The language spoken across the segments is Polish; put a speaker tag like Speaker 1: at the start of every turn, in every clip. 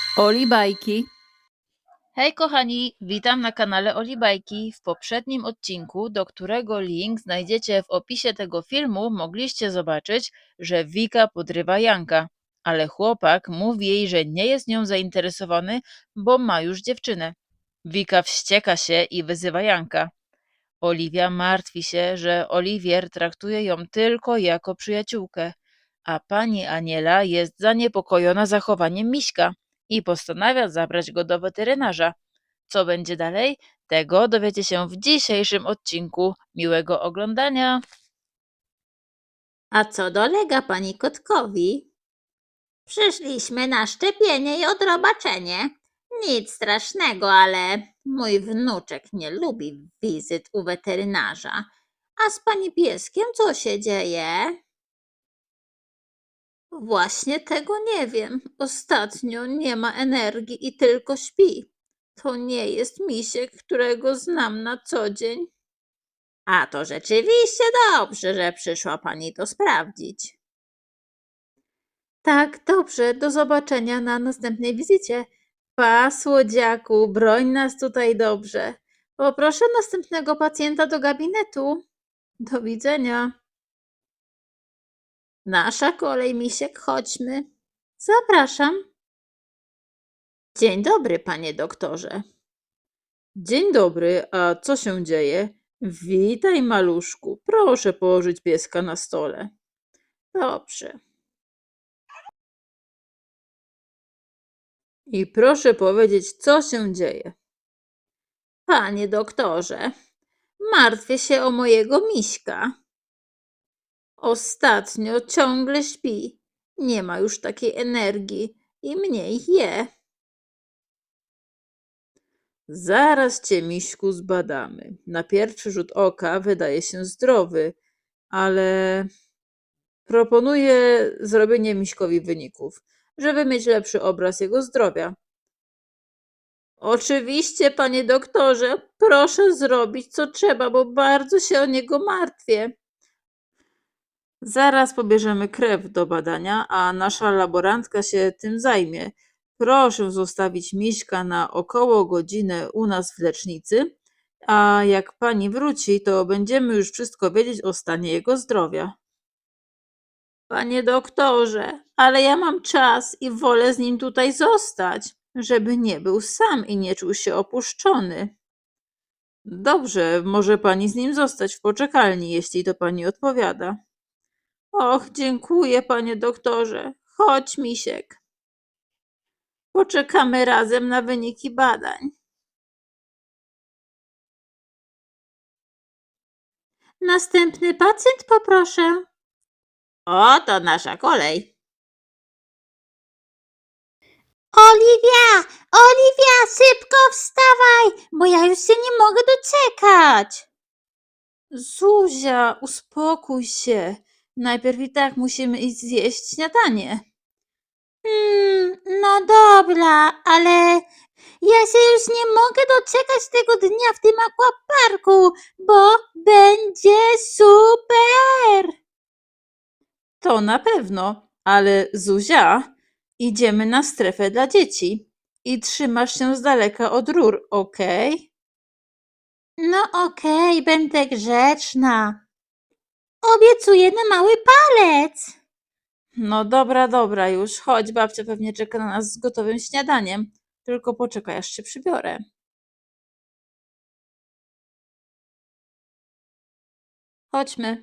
Speaker 1: Oli Bajki.
Speaker 2: Hej kochani, witam na kanale Oli Bajki. W poprzednim odcinku, do którego link znajdziecie w opisie tego filmu, mogliście zobaczyć, że Wika podrywa Janka, ale chłopak mówi jej, że nie jest nią zainteresowany, bo ma już dziewczynę. Wika wścieka się i wyzywa Janka. Oliwia martwi się, że Oliwier traktuje ją tylko jako przyjaciółkę, a pani Aniela jest zaniepokojona zachowaniem Miśka i postanawia zabrać go do weterynarza. Co będzie dalej? Tego dowiecie się w dzisiejszym odcinku. Miłego oglądania!
Speaker 3: A co dolega pani kotkowi? Przyszliśmy na szczepienie i odrobaczenie. Nic strasznego, ale mój wnuczek nie lubi wizyt u weterynarza. A z pani pieskiem co się dzieje? Właśnie tego nie wiem. Ostatnio nie ma energii i tylko śpi. To nie jest misiek, którego znam na co dzień. A to rzeczywiście dobrze, że przyszła pani to sprawdzić. Tak, dobrze. Do zobaczenia na następnej wizycie. Pa, słodziaku, broń nas tutaj dobrze. Poproszę następnego pacjenta do gabinetu. Do widzenia. Nasza kolej, misiek, chodźmy. Zapraszam. Dzień dobry, panie doktorze.
Speaker 1: Dzień dobry, a co się dzieje? Witaj, maluszku. Proszę położyć pieska na stole.
Speaker 3: Dobrze.
Speaker 1: I proszę powiedzieć, co się dzieje.
Speaker 3: Panie doktorze, martwię się o mojego miśka. Ostatnio ciągle śpi. Nie ma już takiej energii i mniej je.
Speaker 1: Zaraz cię, miśku, zbadamy. Na pierwszy rzut oka wydaje się zdrowy, ale proponuję zrobienie miśkowi wyników, żeby mieć lepszy obraz jego zdrowia.
Speaker 3: Oczywiście, panie doktorze, proszę zrobić co trzeba, bo bardzo się o niego martwię.
Speaker 1: Zaraz pobierzemy krew do badania, a nasza laborantka się tym zajmie. Proszę zostawić miśka na około godzinę u nas w lecznicy, a jak pani wróci, to będziemy już wszystko wiedzieć o stanie jego zdrowia.
Speaker 3: Panie doktorze, ale ja mam czas i wolę z nim tutaj zostać, żeby nie był sam i nie czuł się opuszczony.
Speaker 1: Dobrze, może pani z nim zostać w poczekalni, jeśli to pani odpowiada.
Speaker 3: Och, dziękuję, panie doktorze. Chodź, misiek. Poczekamy razem na wyniki badań. Następny pacjent poproszę. O, to nasza kolej. Oliwia, szybko wstawaj, bo ja już się nie mogę doczekać.
Speaker 1: Zuzia, uspokój się. Najpierw i tak musimy iść zjeść śniadanie.
Speaker 3: No dobra, ale ja się już nie mogę doczekać tego dnia w tym akwaparku, bo będzie super.
Speaker 1: To na pewno, ale Zuzia, idziemy na strefę dla dzieci i trzymasz się z daleka od rur, okej?
Speaker 3: No okej, będę grzeczna. Obiecuję na mały palec.
Speaker 1: No dobra już, chodź, babcia pewnie czeka na nas z gotowym śniadaniem. Tylko poczekaj, aż się przybiorę. Chodźmy.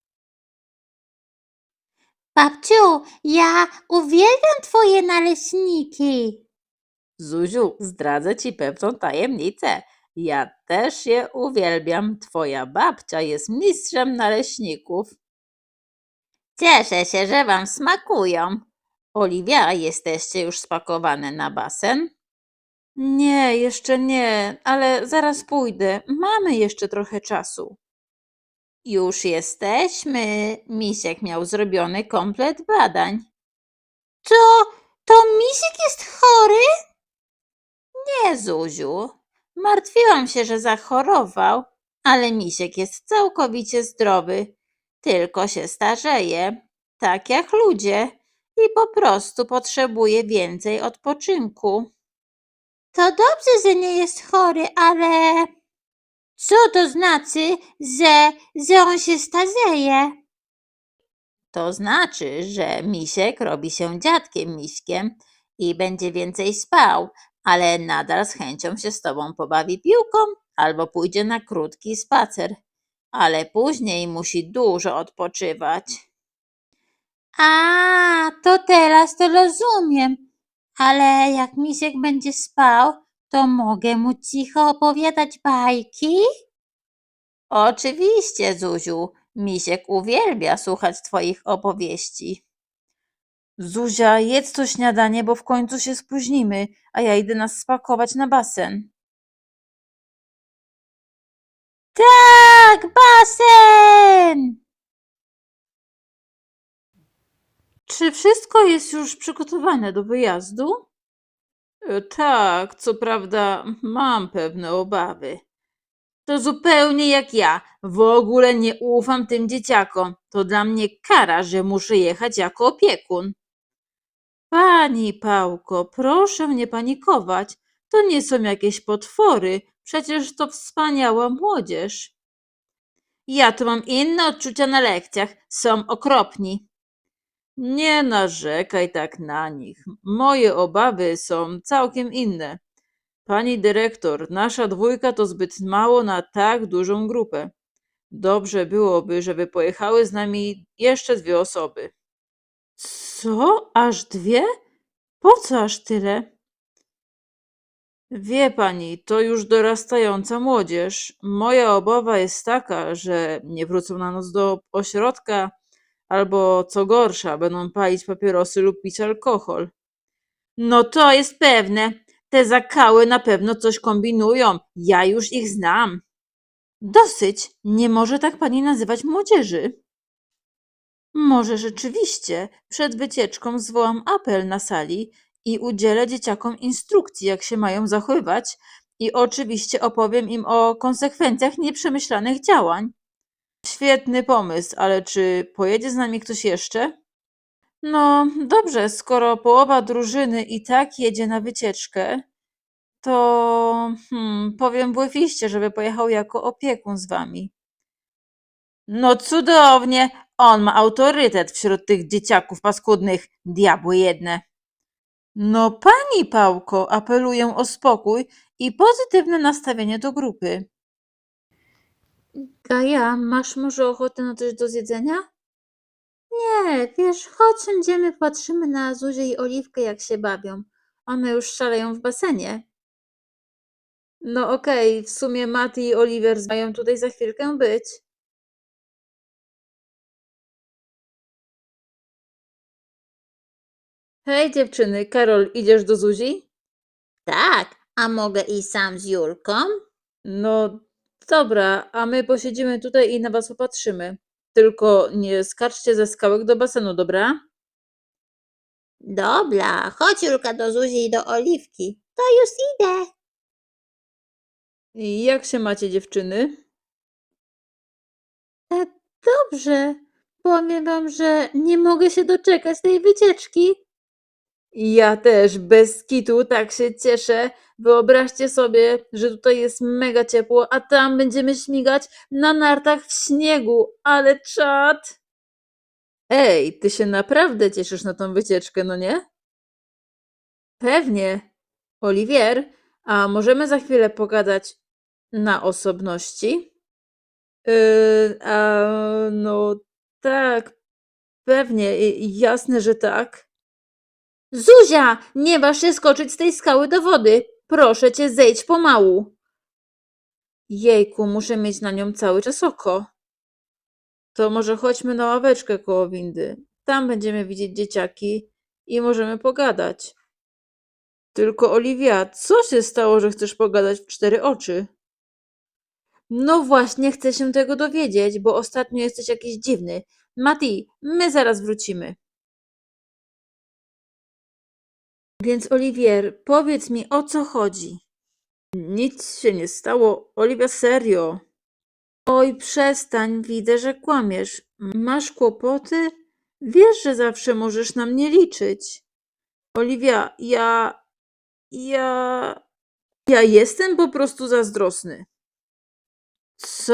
Speaker 3: Babciu, ja uwielbiam twoje naleśniki.
Speaker 1: Zuziu, zdradzę ci pewną tajemnicę. Ja też je uwielbiam. Twoja babcia jest mistrzem naleśników.
Speaker 3: Cieszę się, że wam smakują. Oliwia, jesteście już spakowane na basen?
Speaker 1: Nie, jeszcze nie, ale zaraz pójdę. Mamy jeszcze trochę czasu.
Speaker 3: Już jesteśmy. Misiek miał zrobiony komplet badań. Co? To Misiek jest chory? Nie, Zuziu. Martwiłam się, że zachorował, ale Misiek jest całkowicie zdrowy. Tylko się starzeje, tak jak ludzie. i po prostu potrzebuje więcej odpoczynku. To dobrze, że nie jest chory, ale co to znaczy, że on się starzeje? To znaczy, że misiek robi się dziadkiem miśkiem i będzie więcej spał, ale nadal z chęcią się z tobą pobawi piłką albo pójdzie na krótki spacer, ale później musi dużo odpoczywać. A, to teraz to rozumiem, ale jak misiek będzie spał, to mogę mu cicho opowiadać bajki? Oczywiście, Zuziu, misiek uwielbia słuchać twoich opowieści.
Speaker 1: Zuzia, jedz to śniadanie, bo w końcu się spóźnimy, a ja idę nas spakować na basen.
Speaker 3: Tak, basen!
Speaker 1: Czy wszystko jest już przygotowane do wyjazdu? Tak, co prawda mam pewne obawy. To zupełnie jak ja. W ogóle nie ufam tym dzieciakom. To dla mnie kara, że muszę jechać jako opiekun. Pani Pałko, proszę nie panikować. To nie są jakieś potwory. Przecież to wspaniała młodzież. Ja tu mam inne odczucia na lekcjach. Są okropni. Nie narzekaj tak na nich. Moje obawy są całkiem inne. Pani dyrektor, nasza dwójka to zbyt mało na tak dużą grupę. Dobrze byłoby, żeby pojechały z nami jeszcze 2 osoby. Co? Aż 2? Po co aż tyle? Wie pani, to już dorastająca młodzież. Moja obawa jest taka, że nie wrócą na noc do ośrodka, albo co gorsza, będą palić papierosy lub pić alkohol. No to jest pewne. Te zakały na pewno coś kombinują. Ja już ich znam. Dosyć. Nie może tak pani nazywać młodzieży. Może rzeczywiście przed wycieczką zwołam apel na sali i udzielę dzieciakom instrukcji, jak się mają zachowywać, i oczywiście opowiem im o konsekwencjach nieprzemyślanych działań. Świetny pomysł, ale czy pojedzie z nami ktoś jeszcze? No dobrze, skoro połowa drużyny i tak jedzie na wycieczkę, to powiem Błyfiście, żeby pojechał jako opiekun z wami. No cudownie, on ma autorytet wśród tych dzieciaków paskudnych, diabły jedne. No pani Pałko, apeluję o spokój i pozytywne nastawienie do grupy. Gaja, masz może ochotę na coś do zjedzenia? Nie, wiesz, chodź, siądziemy, patrzymy na Zuzię i Oliwkę, jak się bawią. One już szaleją w basenie. No okej, w sumie Mati i Oliver mają tutaj za chwilkę być. Hej dziewczyny, Karol, idziesz do Zuzi?
Speaker 3: Tak, a mogę iść sam z Julką?
Speaker 1: No dobra, a my posiedzimy tutaj i na was popatrzymy. Tylko nie skaczcie ze skałek do basenu, dobra?
Speaker 3: Dobra, chodź Julka do Zuzi i do Oliwki. To już idę.
Speaker 1: I jak się macie dziewczyny? Dobrze. Powiem wam, że nie mogę się doczekać tej wycieczki. Ja też, bez kitu, tak się cieszę. Wyobraźcie sobie, że tutaj jest mega ciepło, a tam będziemy śmigać na nartach w śniegu, ale czad! Ej, ty się naprawdę cieszysz na tą wycieczkę, no nie? Pewnie. Oliwier, a możemy za chwilę pogadać na osobności? No tak, pewnie, jasne, że tak. Zuzia, nie waż się skoczyć z tej skały do wody. Proszę cię, zejdź pomału. Jejku, muszę mieć na nią cały czas oko. To może chodźmy na ławeczkę koło windy. Tam będziemy widzieć dzieciaki i możemy pogadać. Tylko Oliwia, co się stało, że chcesz pogadać w 4 oczy? No właśnie, chcę się tego dowiedzieć, bo ostatnio jesteś jakiś dziwny. Mati, my zaraz wrócimy. Więc Oliwier, powiedz mi, o co chodzi? Nic się nie stało. Oliwia, serio. Oj, przestań, widzę, że kłamiesz. Masz kłopoty? Wiesz, że zawsze możesz na mnie liczyć. Oliwia, ja jestem po prostu zazdrosny. Co?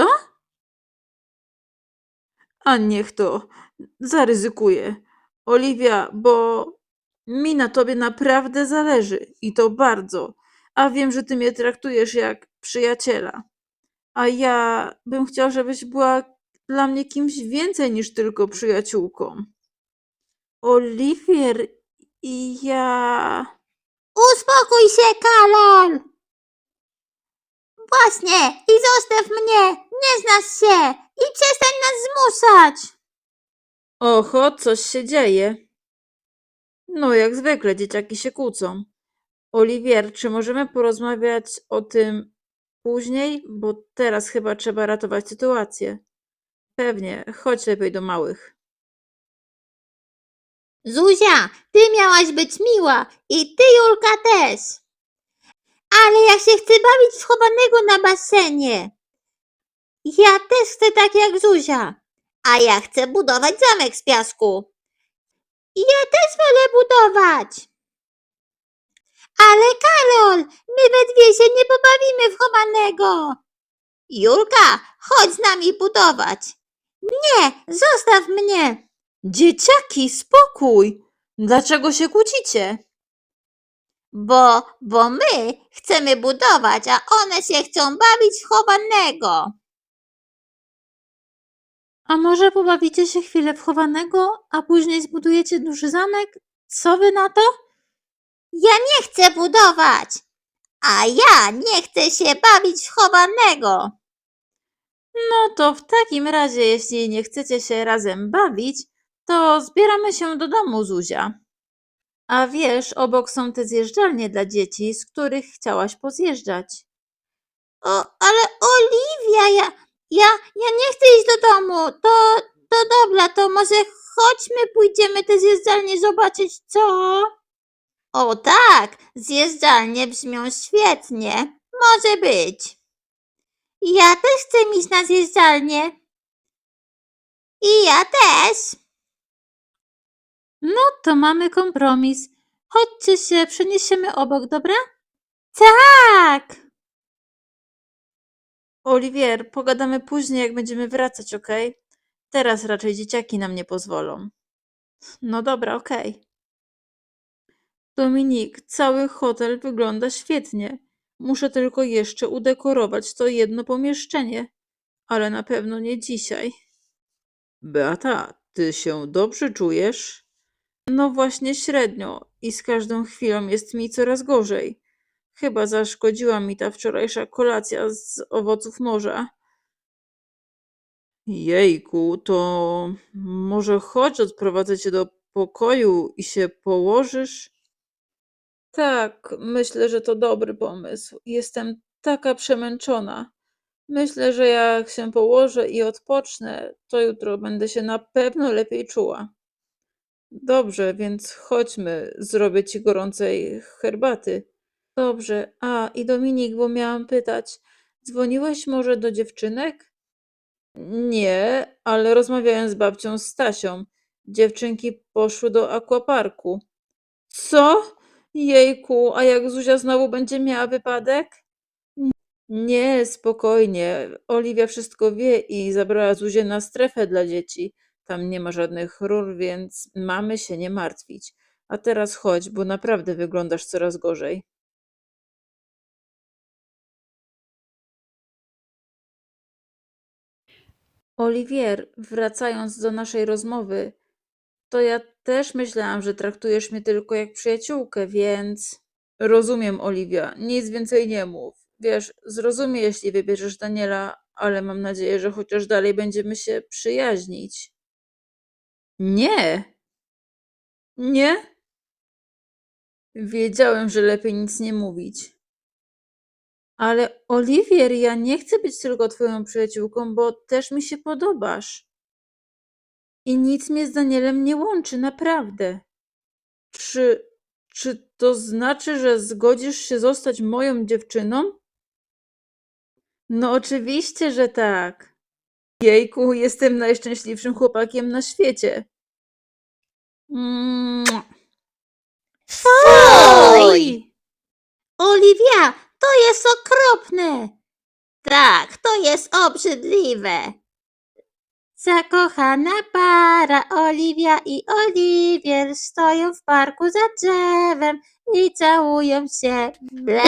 Speaker 1: A niech to. Zaryzykuję. Oliwia, bo mi na tobie naprawdę zależy i to bardzo. A wiem, że ty mnie traktujesz jak przyjaciela. A ja bym chciał, żebyś była dla mnie kimś więcej niż tylko przyjaciółką. Oliwier i ja.
Speaker 3: Uspokój się, Karol! Właśnie, i zostaw mnie! Nie znasz się! I przestań nas zmuszać!
Speaker 1: Oho, coś się dzieje. No, jak zwykle, dzieciaki się kłócą. Oliwier, czy możemy porozmawiać o tym później? Bo teraz chyba trzeba ratować sytuację. Pewnie, chodź lepiej do małych.
Speaker 3: Zuzia, ty miałaś być miła i ty, Julka, też. Ale ja się chcę bawić w chowanego na basenie. Ja też chcę tak jak Zuzia. A ja chcę budować zamek z piasku. Ja też wolę budować. Ale Karol, my we dwie się nie pobawimy w chowanego. Julka, chodź z nami budować. Nie, zostaw mnie.
Speaker 1: Dzieciaki, spokój! Dlaczego się kłócicie?
Speaker 3: Bo my chcemy budować, a one się chcą bawić w chowanego.
Speaker 1: A może pobawicie się chwilę w chowanego, a później zbudujecie duży zamek? Co wy na to?
Speaker 3: Ja nie chcę budować, a ja nie chcę się bawić w chowanego.
Speaker 1: No to w takim razie, jeśli nie chcecie się razem bawić, to zbieramy się do domu, Zuzia. A wiesz, obok są te zjeżdżalnie dla dzieci, z których chciałaś pozjeżdżać.
Speaker 3: Ale Oliwia, ja nie chcę iść do domu. To dobra, to może chodźmy, pójdziemy te zjeżdżalnie zobaczyć, co? O tak, zjeżdżalnie brzmią świetnie. Może być. Ja też chcę iść na zjeżdżalnię. I ja też.
Speaker 1: No to mamy kompromis. Chodźcie się, przeniesiemy obok, dobra? Tak! Oliwier, pogadamy później, jak będziemy wracać, okej? Teraz raczej dzieciaki nam nie pozwolą. No dobra, okej. Dominik, cały hotel wygląda świetnie. Muszę tylko jeszcze udekorować to jedno pomieszczenie, ale na pewno nie dzisiaj. Beata, ty się dobrze czujesz? No właśnie średnio i z każdą chwilą jest mi coraz gorzej. Chyba zaszkodziła mi ta wczorajsza kolacja z owoców morza. Jejku, to może chodź, odprowadzę cię do pokoju i się położysz? Tak, myślę, że to dobry pomysł. Jestem taka przemęczona. Myślę, że jak się położę i odpocznę, to jutro będę się na pewno lepiej czuła. Dobrze, więc chodźmy, zrobię ci gorącej herbaty. Dobrze. A, i Dominik, bo miałam pytać, dzwoniłeś może do dziewczynek? Nie, ale rozmawiałem z babcią Stasią. Dziewczynki poszły do aquaparku. Co? Jejku, a jak Zuzia znowu będzie miała wypadek? Nie, spokojnie. Oliwia wszystko wie i zabrała Zuzię na strefę dla dzieci. Tam nie ma żadnych rur, więc mamy się nie martwić. A teraz chodź, bo naprawdę wyglądasz coraz gorzej. Oliwier, wracając do naszej rozmowy, to ja też myślałam, że traktujesz mnie tylko jak przyjaciółkę, więc. Rozumiem, Oliwia, nic więcej nie mów. Wiesz, zrozumie, jeśli wybierzesz Daniela, ale mam nadzieję, że chociaż dalej będziemy się przyjaźnić. Nie, nie? Wiedziałem, że lepiej nic nie mówić. Ale Oliwier, ja nie chcę być tylko twoją przyjaciółką, bo też mi się podobasz. I nic mnie z Danielem nie łączy, naprawdę. Czy, czy to znaczy, że zgodzisz się zostać moją dziewczyną? No oczywiście, że tak. Jejku, jestem najszczęśliwszym chłopakiem na świecie. Mua.
Speaker 3: Fuj! Oliwia, to jest okropne. Tak, to jest obrzydliwe. Zakochana para Oliwia i Oliwier stoją w parku za drzewem i całują się. Ble!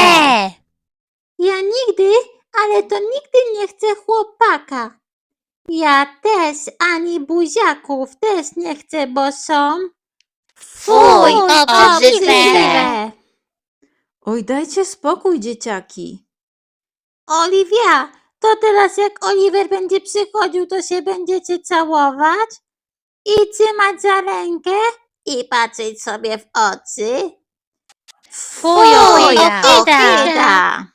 Speaker 3: Ja nigdy, ale to nigdy nie chcę chłopaka. Ja też ani buziaków też nie chcę, bo są...
Speaker 4: Fuj,
Speaker 3: obrzydliwe!
Speaker 1: Oj, dajcie spokój, dzieciaki.
Speaker 3: Oliwia, to teraz jak Oliver będzie przychodził, to się będziecie całować i trzymać za rękę i patrzeć sobie w oczy?
Speaker 4: Fuj,
Speaker 3: ohydna!